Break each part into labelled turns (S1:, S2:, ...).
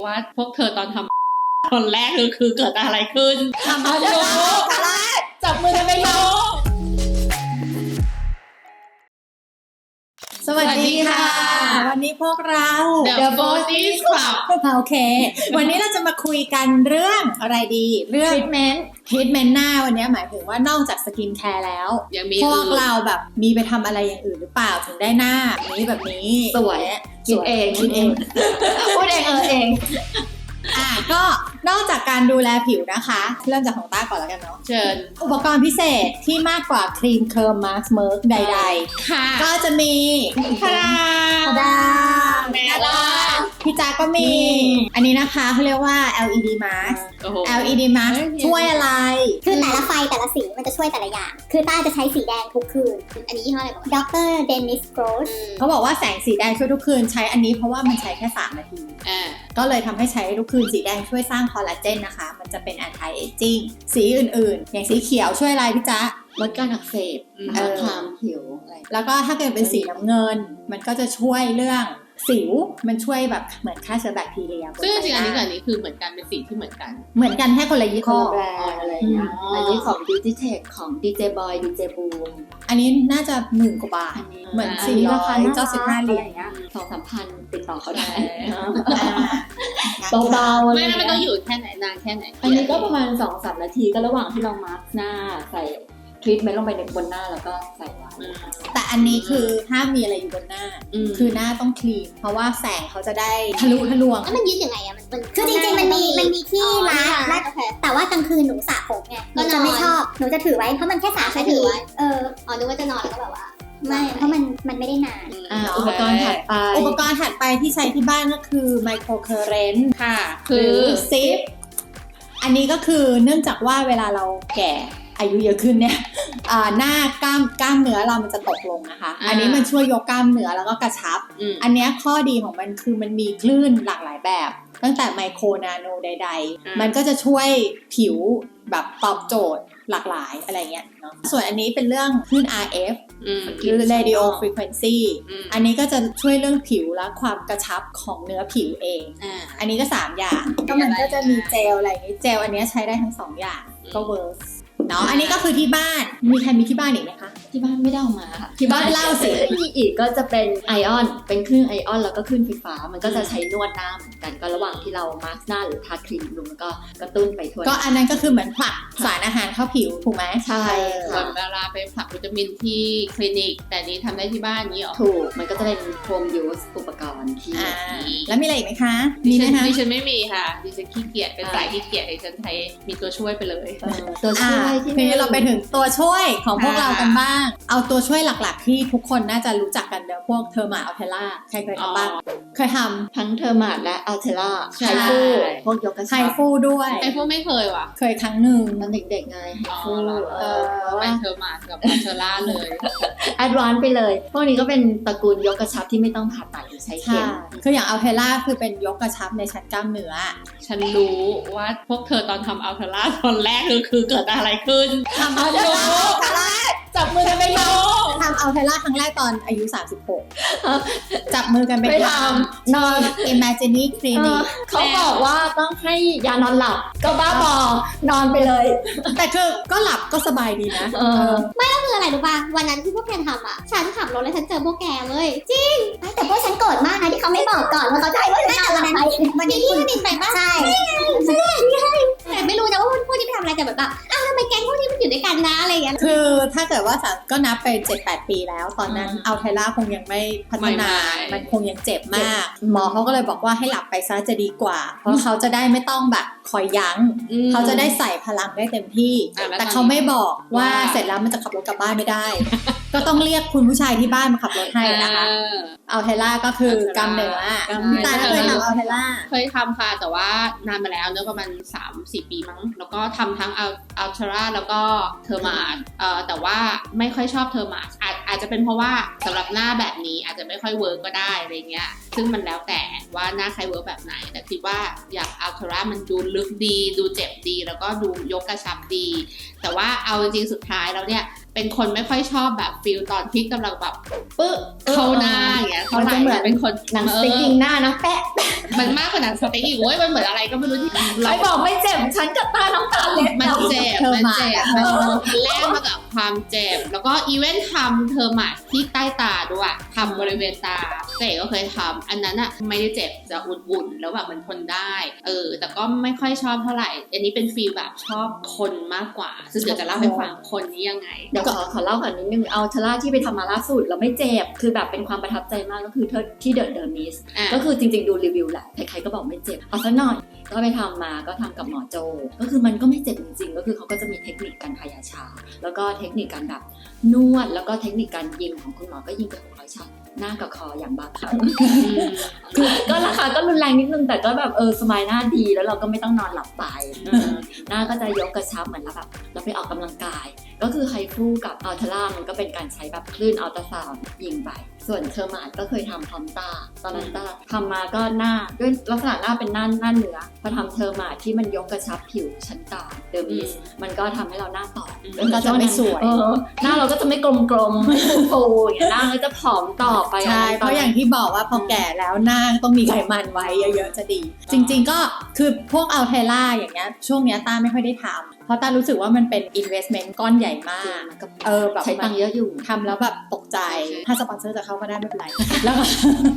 S1: ว่าพวกเธอตอนทำคนแรกคือเกิดอะไรขึ้น
S2: ทำอะไรจับมือกันไปโยสวัสดีค่ะวันนี้พวกเรา
S1: The Bodies Club
S2: โอเควันนี้เราจะมาคุยกันเรื่องอะไรดีเรื่อง treatment หน้าวันนี้หมายถึงว่านอกจากสกินแคร์แล้วพวกเราแบบมีไปทำอะไรอย่างอื่นหรือเปล่าถึงได้หน้านี้แบบนี้
S3: สวยคิดเองพูดเอง
S2: ก็นอกจากการดูแลผิวนะคะเริ่มจากของต้าก่อนแล้วกันเนาะ
S1: เชิญ
S2: อุปกรณ์พิเศษที่มากกว่าครีมเคิร์มมาสก์เมิร์กใดๆ
S1: ค่ะ
S2: ก็จะมี
S1: ทาดา
S2: พี่จ๊าก็มีอันนี้นะคะเขาเรียกว่า LED mask LED mask ช่วยอะไร
S4: คือแต่ละไฟแต่ละสีมันจะช่วยแต่ละอย่างคือต้าจะใช้สีแดงทุกคืนอันนี้ยี่ห้ออะไรบอกดร. เดนิส โกรส
S2: เขาบอกว่าแสงสีแดงช่วยทุกคืนใช้อันนี้เพราะว่ามันใช้แค่3 นาทีก็เลยทำให้ใช้ทุกคืนสีแดงช่วยสร้างคอลลาเจนนะคะมันจะเป็น anti aging สีอื่นๆอย่างสีเขียวช่วยอะไรพี่จ๊ะ
S3: ลดการอักเสบคลามผิวอะไร
S2: แล้วก็ถ้าเกิดเป็นสีน้ำเงินมันก็จะช่วยเรื่องสิวมันช่วยแบบเหมือนฆ่าเชื้อแบคทีเรีย
S1: ซึ่งจริงอันนี้กับอันนี้คือเหมือนกันเป็นสีที่เหมือนกัน
S2: แค่คนละยี่ห้อ
S3: แบรนด์อะไรเงี้ยอันนี้ของ Digitech ของ DJ Boy DJ Boom
S2: อันนี้น่าจะ10,000 กว่าบาทเหมือน495 เหรียญ
S3: เงี้ย 2-3,000 ติดต่อเขาได้
S1: เบาๆไม่แล้วมันต้องอยู่แค่ไหนนานแค่ไหน
S3: อันนี้ก็ประมาณ 2-3 นาทีก็ระหว่างที่เรามาร์คหน้าใส่ทรีทเมนต์ลงไปในบนหน้าแล้วก็ใส่ไว้
S2: แต่อันนี้คือห้ามมีอะไรอยู่บนหน้าคือหน้าต้องคลีนเพราะว่าแสงเขาจะได้ทะลุทะลวง
S4: แล้วมันยืดยังไงอะมันคือจริงๆมันมีที่รัดแต่ว่ากลางคืนหนูสระผมไงหนูจะไม่ชอบหนูจะถือไว้เพราะมันแค่3 นาทีนึกว่าจะนอนแล้วก็แบบว่าไม่เพราะมันไม่ได้นาน
S2: อุปกรณ์ถัดไปที่ใช้ที่บ้านก็คือไมโครเคอร์เรนต์
S1: ค่ะ
S2: คือซิปอันนี้ก็คือเนื่องจากว่าเวลาเราแก่อายุเยอะขึ้นเนี่ยหน้ากล้ามเนื้อเรามันจะตกลงนะคะอันนี้มันช่วยยกกล้ามเนื้อแล้วก็กระชับอันนี้ข้อดีของมันคือมันมีคลื่นหลากหลายแบบตั้งแต่ไมโครนาโนใดๆมันก็จะช่วยผิวแบบตอบโจทย์หลากหลายอะไรเงี้ยเนาะส่วนอันนี้เป็นเรื่องคลื่น RF หรือ radio frequency อันนี้ก็จะช่วยเรื่องผิวและความกระชับของเนื้อผิวเองอันนี้ก็3 อย่างก็มันก็จะมีเจลอะไรอย่างนี้เจลอันนี้ใช้ได้ทั้ง2 อย่างก็เวิร์กเนาะอันนี้ก็คือที่บ้านมีใครมีที่บ้านอีกไหมคะ
S3: ที่บ้านไม่ได้เอามาค่ะที่บ้านเล่าสิมีอีกก็จะเป็นไอออนเป็นคลื่นไอออนแล้วก็คลื่นไฟฟ้ามันก็จะใช้นวดหน้าเหมือนกันก็ระหว่างที่เรามาสก์หน้าหรือทาครีมลงแล้วก็กระตุ้นไปทั่ว
S2: ก็อันนั้นก็คือเหมือนผลักสารอาหารเข้าผิวถูกไหม
S3: ใช่
S1: ค่ะเวลาไปผลักวิตามินที่คลินิกแต่นี้ทำได้ที่บ้านนี้หรอ
S3: ถูกมันก็จะเป็นโฮมยูสอุปกรณ์ที่
S2: แล้วมีอะไรอีกไหมคะ
S1: มีไหมคะดิฉันไม่มีค่ะดิฉันขี้เกียจเป็นสายขี้เกียจดิฉันใช้มีตัวช่วยไปเลย
S3: ตัวช่วย
S2: ที่เราไปถึงตัวช่วยของพวกเรากันบ้างเอาตัวช่วยหลักๆที่ทุกคนน่าจะรู้จักกันเดี๋ยวพวกเทอร์มาอัลเทล่าใครเคยทำบ้างเคยทำ
S3: ทั้งเทอร์มาและอัลเทล่าไฮฟูพวกยกกระชับ
S2: ไฮฟูด้วย
S1: ไฮฟูไม่เคยว่ะ
S2: เคยครั้งหนึ่ง
S3: ตอนเด็กๆไงไฮฟู
S1: ไม่เทอร์มากับอัลเทล่าเลย
S3: แอดวานซ์ไปเลยพวกนี้ก็เป็นตระกูลยกกระชับที่ไม่ต้องผ่าตัดหรือใช้เข็ม
S2: คืออย่างอัลเทล่าคือเป็นยกกระชับในชั้นกล้ามเนื้อ
S1: ฉันรู้ว่าพวกเธอตอนทำอัลเทล่าตอนแรกคือเกิดอะไรขึ้น
S2: ทำอัลเทล่าจับมือกันไปทำอัลเทล่าครั้งแรกตอนอายุ36จับมือกันไปทำนอน Imagine Clinic
S3: เขาบอกว่าต้องให้ยานอนหลับก็บ้าบอนอนไปเลย
S2: แต่คือก็หลับก็สบายดีนะ
S4: ไม่ก็คืออะไรรู้ป่ะวันนั้นที่พวกแกทำอ่ะฉันขับรถแล้วฉันเจอพวกแกเลยจริงแต่พวกฉันโกรธมากนะที่เขาไม่บอกก่อนว่าเขาจะให้พวกฉันทำอะไรวันนี้คุณบินไปป่ะใช่แต่ไม่รู้นะว่าพวกนี้ไปทำอะไรแต่แบบอ้าวทำไมแก๊งพวกนี้มันอยู่ด้วยกันนะอะไรอย่างเงี้ย
S2: คือถ้าเกิดว่าก็นับไป 7-8 ปีแล้วตอนนั้นอัลเทล่าคงยังไม่พัฒนามันคงยังเจ็บมากหมอเขาก็เลยบอกว่าให้หลับไปซะจะดีกว่าเพราะเขาจะได้ไม่ต้องแบบคอยยั้งเขาจะได้ใส่พลังได้เต็มที่แต่เขาไม่บอกว่าเสร็จแล้วมันจะขับรถกลับบ้านไม่ได้ก็ต้องเรียกคุณผู้ชายที่บ้านมาขับรถให้นะคะอัลเทล่าก็คือกล้ามเนื้อพี่ตาเคยทำอัลเทล่า
S1: เคยทำค่ะแต่ว่านานมาแล้วเนอะประมาณ 3-4 ปีมั้งแล้วก็ทำทั้งอัลเทล่าแล้วก็เทอร์มาสแต่ว่าไม่ค่อยชอบเทอร์มาสอาจจะเป็นเพราะว่าสำหรับหน้าแบบนี้อาจจะไม่ค่อยเวิร์กก็ได้อะไรเงี้ยซึ่งมันแล้วแต่ว่าหน้าใครเวิร์กแบบไหนแต่คิดว่าอยากอัลเทล่ามันดูลึกดีดูเจ็บดีแล้วก็ดูยกกระชับดีแต่ว่าเอาจริงๆสุดท้ายแล้วเนี่ยเป็นคนไม่ค่อยชอบแบบฟิลตอนที่กำลังแบบปึ๊บเข้าหน้าอย่างเงี้ยเท่าไหร่
S2: มันจะเหมือน
S1: เป็นคน
S3: หนังสติ๊กยิงหน้านะแปะ
S1: มันมากกว่าหนังสติ๊กอีกเว้ยมันเหมือนอะไรก็ไม่รู้ที่
S3: ไอ้บอกไม่เจ็บฉันกับตาน้ำตาเล็ด
S1: มันเจ็บ
S2: เธอ
S1: มัน
S2: มา
S1: เจ็บมันแลกมากับความเจ็บแล้วก็อีเวนต์ทำเทอร์มาที่ใต้ตาด้วยทำบริเวณตาเก๋ก็เคยทำอันนั้นอะไม่ได้เจ็บจะอุ่นๆแล้วแบบมันทนได้แต่ก็ไม่ค่อยชอบเท่าไหร่อันนี้เป็นฟีลแบบชอบคนมากกว่าซึ่งเดี๋ยวจะเล่าให้ฟังคนนี้ยังไง
S3: เดี๋ยวขอเล่าก่อนนิดนึงเอาเทล่าที่ไปทำมาล่าสุดแล้วไม่เจ็บคือแบบเป็นความประทับใจมากก็คือที่เดอะมิส ก็คือจริงๆดูรีวิวแหละใครๆก็บอกไม่เจ็บเอาซะหน่อยก็ไปทำมาก็ทำกับหมอโจก็คือมันก็ไม่เจ็บจริงๆก็คือเขาก็จะมีเทคนิคการทายาชาแล้วก็เทคนิคการแบบนวดแล้วก็เทคนิคการยิงของคุณหมอก็ยิงไป600ช็อตหน้ากับคออย่างบ้าคลั่งคือก็ราคาก็รุนแรงนิดนึงแต่ก็แบบสมายหน้าดีแล้วเราก็ไม่ต้องนอนหลับไปหน้าก็จะยกกระชับเหมือนเราไปออกกำลังกายก็คือไฮฟูกับอัลทรามันก็เป็นการใช้แบบคลื่นอัลตราซาวด์ยิงไปส่วนเทอร์มาดก็เคยทำพร้อมตาตอนนั้นตาทำมาก็หน้าด้วยลักษณะหน้าเป็นหน้าเนื้อพอทำเทอร์มาดที่มันยกกระชับผิวชั้นกลางเดอร์มิสมันก็ทำให้เราหน้าตอบ
S2: มันก็จะไม่สวย
S3: หน้าเราก็จะไม่กลมๆไม่ฟูๆอย่างเงี้ยหน้าก็จะผอมต่อไป
S2: ใช่เพราะอย่างที่บอกว่าพอแก่แล้วหน้าต้องมีไขมันไว้เยอะๆจะดี จริงๆก็คือพวกอัลเทล่าอย่างเงี้ยช่วงเนี้ยต้าไม่ค่อยได้ทำเพราะต้ารู้สึกว่ามันเป็น investment ก้อนใหญ่มากแบบ
S3: ใช้ตังค์เยอะอยู่
S2: ทำแล้วแบบตกใจถ้าสปอนเซอร์จะเข้าก็ได้ไม่เป็นไรแล้วก็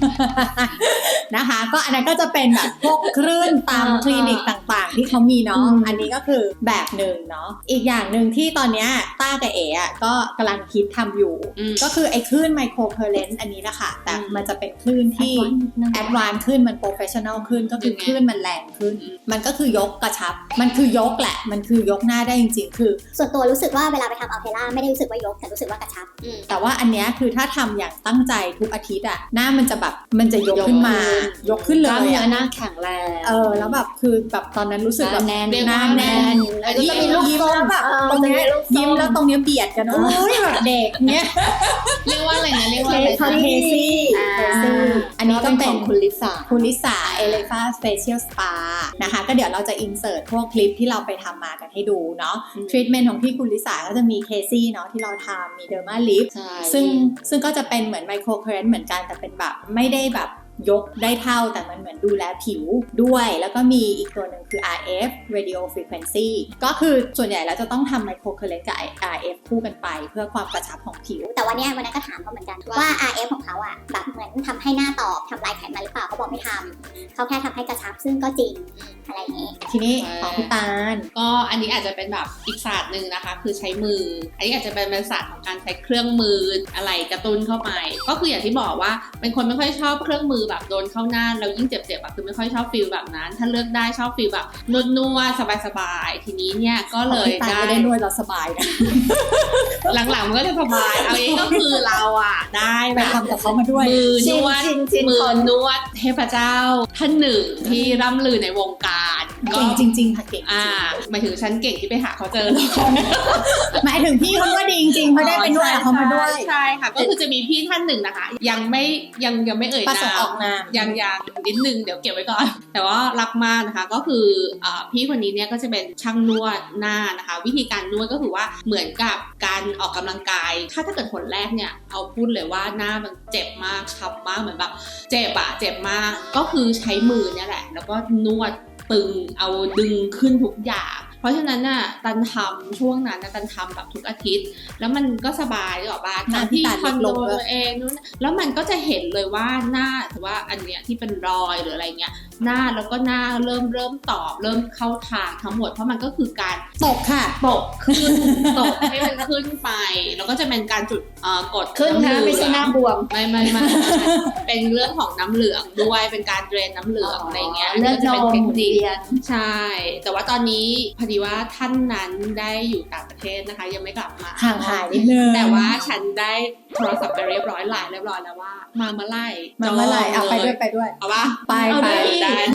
S2: นะคะก็อันนั้นก็จะเป็นแบบพวกคลื่นตามคลินิกต่างๆที่เขามีเนาะอันนี้ก็คือแบบหนึ่งเนาะอีกอย่างหนึ่งที่ตอนเนี้ยต้ากับเอ๋ก็กำลังคิดทำอยู่ก็คือไอ้คลื่นไมโครเคอร์เรนต์อันนี้นะคะแต่มันจะเป็นคลื่นที่แอดวานซ์ขึ้นมันโปรเฟชชั่นอลขึ้นก็คือคลื่นมันแรงขึ้นมันก็คือยกกระชับมันคือยกแหละมันคือยกหน้าได้จริงๆคือ
S4: ส่วนตัวรู้สึกว่าเวลาไปทำอัลเทล่าไม่ได้รู้สึกว่ายกแต่รู้สึกว่ากระชับ
S2: แต่ว่าอันเนี้ยคือถ้าทำอย่างตั้งใจทุกอาทิตย์อะหน้ามันจะแบบมันจะยกขึ้นมายกขึ้นเลย
S3: กล้ามเนื้อหน้าแข็งแรง
S2: แล้วแบบคือแบบตอนนั้นรู้สึกแบบ
S3: แน่น
S2: หน้าแน่น
S3: ก็จะมีลูก
S2: ยิ้มแล้วแบบตรงเนี้ยยิ้มแล้วตรงเนี้ยเบียดกันโอ้ยแบบเด็กเนี้ย
S1: เรียกว่าอะไรนะเรียกว่าอะไร
S2: เคซี่อันนี้ก็เป็น
S3: ของคุณลิซ่า
S2: เอเลฟาสเปเชียลสปานะคะก็เดี๋ยวเราจะอินเสิร์ตพวกคลิปที่เราไปทำมากันให้ดูเนาะทรีทเมนต์ของที่คุณลิซ่าก็จะมีเคซี่เนาะที่เราทำมีเดอร์มาลิฟซึ่งก็จะเป็นเหมือนไมโครเคอร์เรนต์เหมือนกันแต่เป็นแบบไม่ได้แบบยกได้เท่าแต่มันเหมือนดูแลผิวด้วยแล้วก็มีอีกตัวหนึ่งคือ RF Radio Frequency ก็คือส่วนใหญ่แล้วจะต้องทำไมโครเคอร์เรนต์กับ RF คู่กันไปเพื่อความกระชับของผิว
S4: แต่วันนั้นก็ถามเขาเหมือนกันว่า RF ของเขาอ่ะแบบเหมือนทำให้หน้าตอบทำลายไขมันหรือเปล่าเขาบอกไม่ทำเขาแค่ทำให้กระชับซึ่งก็จริงอะไรอย่างนี้
S2: ทีนี้ของพี่ตาล
S1: ก็อันนี้อาจจะเป็นแบบอีกศาสตร์หนึ่งนะคะคือใช้มืออันนี้อาจจะเป็นศาสตร์ของการใช้เครื่องมืออะไรกระตุ้นเข้าไปก็คืออย่างที่บอกว่าเป็นคนไม่ค่อยชอบเครื่องมือแบบโดนเข้าหน้าแล้วยิ่งเจ็บๆคือไม่ค่อยชอบฟีลแบบนั้นถ้าเลือกได้ชอบฟีลแบบนวดๆสบายๆทีนี้เนี่ยก็เลย
S2: ได้นวดเราสบายนะ
S1: หลังๆมันก็เลยสบายเอาเองก็คือเราได้
S2: ไปทำกับเขามาด้วย
S1: มือนวดเทพเจ้าท่านหนึ่งที่ร่ำลือในวงการ
S2: เก่งจริงๆค่ะเก่ง
S1: หมายถึงฉันเก่งที่ไปหาเขาเจอ
S2: หมายถึงพี่เขาว่าดีจริงๆเขาได้ไปนวดเขามาด้วย
S1: ใช่ค่ะก็คือจะมีพี่ท่านหนึ่งนะคะยังไม่เอ่ยนาม
S2: ออกนาม
S1: ยังนิดนึงเดี๋ยวเก็บไว้ก่อนแต่ว่ารักมากนะคะก็คือพี่คนนี้เนี่ยก็จะเป็นช่างนวดหน้านะคะวิธีการนวดก็คือว่าเหมือนกับการออกกำลังกายถ้าเกิดผลแรกเนี่ยเอาพูดเลยว่าหน้ามันเจ็บมากช้ำมากเหมือนแบบเจ็บมากก็คือใช้มือเนี่ยแหละแล้วก็นวดตึงเอาดึงขึ้นทุกอย่างเพราะฉะนั้นน่ะตันทำช่วงนั้นตันทำแบบทุกอาทิตย์แล้วมันก็สบายหรอบ้านที่คอนโดตัวเองนู้นแล้วมันก็จะเห็นเลยว่าหน้าถือว่าอันเนี้ยที่เป็นรอยหรืออะไรเงี้ยหน้าแล้วก็หน้าเริ่มตอบเริ่มเข้าทางทั้งหมดเพราะมันก็คือการ
S2: ตกค่ะ
S1: ตกขึ้นตกให้มันขึ้นไปแล้วก็จะเป็นการจุดกด
S3: ขึ้นนะไม่ใช่หน้าบวม
S1: ไม่เป็นเรื่องของน้ำเหลืองด้วยเป็นการเดรนน้ำเหลืองอะไรเงี้ยก็จะเป็นเทคนิคใช่แต่ว่าตอนนี้พอดีว่าท่านนั้นได้อยู่ต่างประเทศนะคะยังไม่กลับมา
S2: ห่างหายนิดนึง
S1: แต่ว่าฉันได้โทรศัพท์ไปเรียบร้อยแล้วว่ามาเมื่อไหร่
S2: เอาไปด้วย
S1: เอาป่ะ
S2: ไป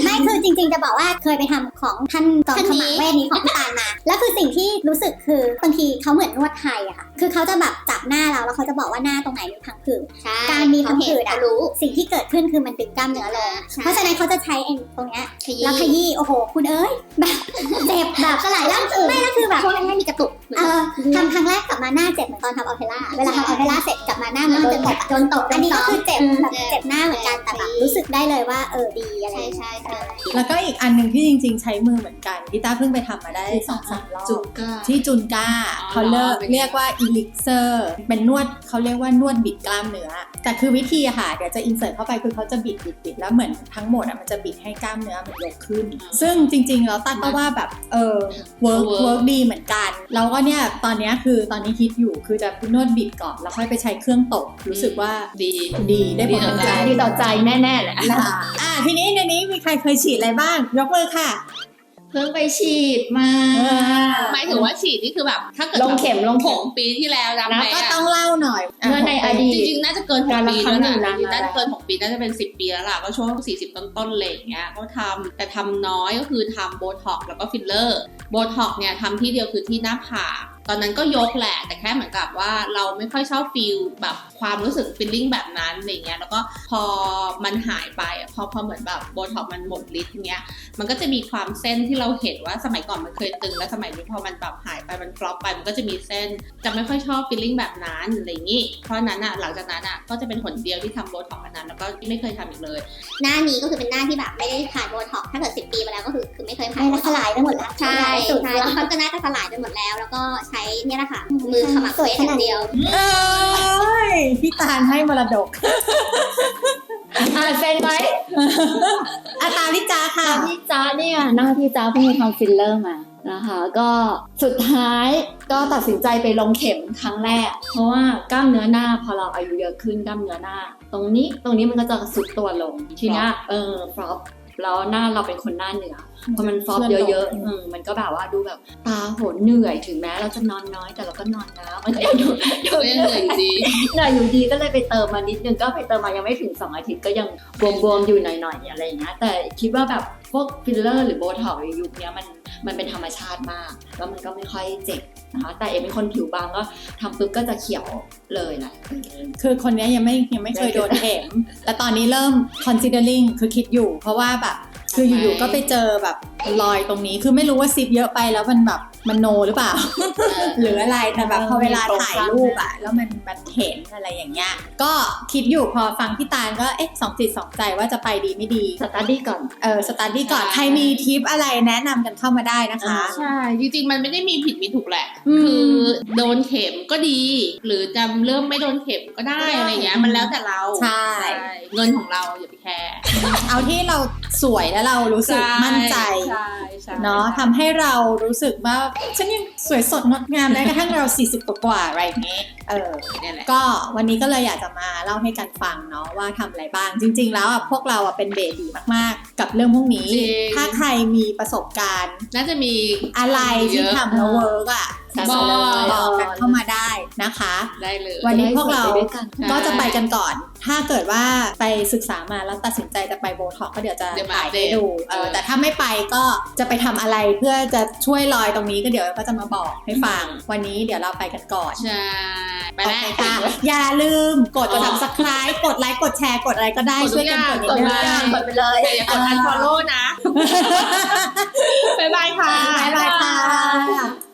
S4: ไม่คือจริงๆจะบอกว่าเคยไปทำของท่านจอมขมังเวทนี้ของพี่ตาลมาแล้วคือสิ่งที่รู้สึกคือบางทีเขาเหมือนนวดไทยอะค่ะคือเขาจะแบบจับหน้าเราแล้วเขาจะบอกว่าหน้าตรงไหนมีพังผืดการมีพังผืดอะรู้สิ่งที่เกิดขึ้นคือมันดึงกล้ามเนื้อลงเพราะฉะนั้นเขาจะใช้ตรงเนี้ยแล้วขยี้โอ้โหคุณเอ้ยแบบเจ็บแบบสลายร่างไม่แล้วคือแบบช่วงนั้นไม่มีกระตุกทำครั้งแรกกลับมาหน้าเจ็บเหมือนตอนทำอัลเทล่าเวลาทำอัลเทล่าเสร็จกลับมาหน้าเหมือนโดนตบอันนี้ก็คือเจ็บแบบเจ็บหน้าเหมือนกันแต่แบบรู้สึกได้เลยว่าดีอะไรใช่
S2: แล้วก็อีกอันหนึ่งที่จริงๆใช้มือเหมือนกันพี่ต้าเพิ่งไปทำมาได้ 2-3 รอบ
S1: จุกก้า
S2: ที่จุนก้าเขาเรียกว่าอีลิกเซอร์เป็นนวดเขาเรียกว่านวดบิดกล้ามเนื้อแต่คือวิธีอะค่ะเดี๋ยวจะอินเสิร์ตเข้าไปคือเขาจะบิดแล้วเหมือนทั้งหมดอะมันจะบิดให้กล้ามเนื้อมันยกขึ้นซึ่งจริงๆแล้วต้าก็ว่าแบบเวิร์กดีเหมือนกันแล้วก็เนี่ยตอนนี้คิดอยู่คือจะนวดบิดก่อนแล้วค่อยไปใช้เครื่องตบรู้สึกว่าดีได้ผล
S3: ดีต่อใจแน่ๆแหละ
S2: ทีนี้ในนี้มีใครเคยฉีดอะไรบ้างยกมือค่ะ
S3: เพิ่งไปฉีดมา
S1: หมายถึงว่าฉีดนี่คือแบบถ้าเกิด
S3: ลงเข็ม
S1: 6 ปีที่แล้วจำไหม
S2: ก็ต้องเล่าหน่อย
S3: เมื่อในอดีต
S1: จริงๆน่าจะเกิน6 ปีแล้วนะน่าจะเกิน6 ปีน่าจะเป็น10 ปีแล้วล่ะก็ช่วง40ต้นๆเลยอย่างเงี้ยเขาทำแต่ทำน้อยก็คือทำโบท็อกซ์แล้วก็ฟิลเลอร์โบท็อกซ์เนี่ยทำที่เดียวคือที่หน้าผากตอนนั้นก็ยกแหละแต่แค่เหมือนกับว่าเราไม่ค่อยชอบฟีลแบบความรู้สึกฟีลลิ่งแบบนั้นอะไรเงี้ยแล้วก็พอมันหายไปพอเหมือนแบบโบท็อกซ์มันหมดฤทธิ์เงี้ยมันก็จะมีความเส้นที่เราเห็นว่าสมัยก่อนมันเคยตึงแล้วสมัยนี้พอมันแบบหายไปมันฟลอปไปมันก็จะมีเส้นจะไม่ค่อยชอบฟีลลิ่งแบบนั้นอะไรอย่างงี้เพราะนั้นหลังจากนั้นก็จะเป็นหนเดียวที่ทำโบท็อกซ์อันนั้นแล้วก็ไม่เคยทำอีกเลย
S4: หน้านี้ก็คือเป็นหน้าที่แบบไม่ได้ผ่านโบท็อกซ์ถ้าเกิด10 ปีมาแล้วก็คือไม่เคยผ่านสลายไปหมดแล้วใช่แล้วก็จะน่าจะสลายไปหมดแล้วแล้วก็ใช้เนี่ยแหละค่ะมือขมักสวยอย่างเดียว
S2: พี่ตาลให้มรดก
S3: เซ็นไหม
S2: ตาพี่จ้าค่ะ
S3: พี่จ้าเนี่ยหน้าพี่จ้าเพิ่งไปทำฟิลเลอร์มานะคะก็สุดท้ายก็ตัดสินใจไปลงเข็มครั้งแรกเพราะว่ากล้ามเนื้อหน้าพอเราอายุเยอะขึ้นกล้ามเนื้อหน้าตรงนี้มันก็จะสุดตัวลงทีเนี้ยฟลอปแล้วหน้าเราเป็นคนหน้าเหนือพอมันฟอปเยอะๆมันก็แบบว่าดูแบบตาโหนเหนื่อยถึงแม้เราจะนอนน้อยแต่เราก็นอนนะมันก็ยังเหนื่อยอยู่ดีก็เลยไปเติมมานิดนึงก็ไปเติมมายังไม่ถึง2 อาทิตย์ก็ยังบวมๆอยู่หน่อยๆอะไรอย่างเงี้ยแต่คิดว่าแบบพวกฟิลเลอร์หรือโบท็อกซ์ในยุคนี้มันเป็นธรรมชาติมากแล้วมันก็ไม่ค่อยเจ็บนะคะแต่เป็นคนผิวบางก็ทำปุ๊บก็จะเขียวเลยแหละ
S2: คือคนนี้ยังไม่เคยโดนเข็มแต่ตอนนี้เริ่ม considering คือคิดอยู่เพราะว่าแบบคืออยู่ๆก็ไปเจอแบบรอยตรงนี้คือไม่รู้ว่าซิปเยอะไปแล้วมันแบบมันโนหรือเปล่า หรืออะไรแต่แบบพอเวลาถ่ายรูปแล้วมันเห็นอะไรอย่างเงี้ยก็คิดอยู่พอฟังพี่ตาลก็สองจิตสองใจว่าจะไปดีไม่ดี
S3: สตาร์ดี้ก่อน
S2: สตาร์ดี้ก่อนใครมีทิปอะไรแนะนำกันเข้ามาได้นะคะ
S1: ใช่จริงๆมันไม่ได้มีผิดมีถูกแหละคือโดนเข็มก็ดีหรือจะเริ่มไม่โดนเข็มก็ได้อะไรเงี้ยมันแล้วแต่เรา
S2: ใช่
S1: เงินของเราอย่าไปแคร์
S2: เอาที่เราสวยแล้วเรารู้สึกมั่นใจเนาะทำให้เรารู้สึกว่าฉันยังสวยสดงดงามแม้กระทั่งเรา40 กว่าอะไรอย่างเงี้ย
S1: นี่แหละ
S2: ก็วันนี้ก็เลยอยากจะมาเล่าให้กันฟังเนาะว่าทำอะไรบ้างจริงๆแล้วพวกเราเป็นเบบีมากๆกับเรื่องพวกนี้ถ้าใครมีประสบการณ์
S1: น่าจะมี
S2: อะไรที่ทำแล้วเวิร์กบอกกันเข้ามาได้นะคะ
S1: ได้เลย
S2: วันนี้พวกเราก็จะไปกันก่อนถ้าเกิดว่าไปศึกษามาแล้วตัดสินใจจะไปโบท็อกก็เดี๋ยวจะถ่ายให้ดูแต่ถ้าไม่ไปก็จะไปทำอะไรเพื่อจะช่วยรอยตรงนี้ก็เดี๋ยวก็จะมาบอกให้ฟังวันนี้เดี๋ยวเราไปกันก่อน
S1: ใช่ไปแล้ว
S2: ค่ะอย่าลืมกด subscribe กดไลค์กดแชร์กดอะไรก็ได้ช่วยกันกดนิดนึง
S1: กดไปเลยอย่ากด unfollow นะบ๊ายบายค่ะ
S2: บ๊ายบายค่ะ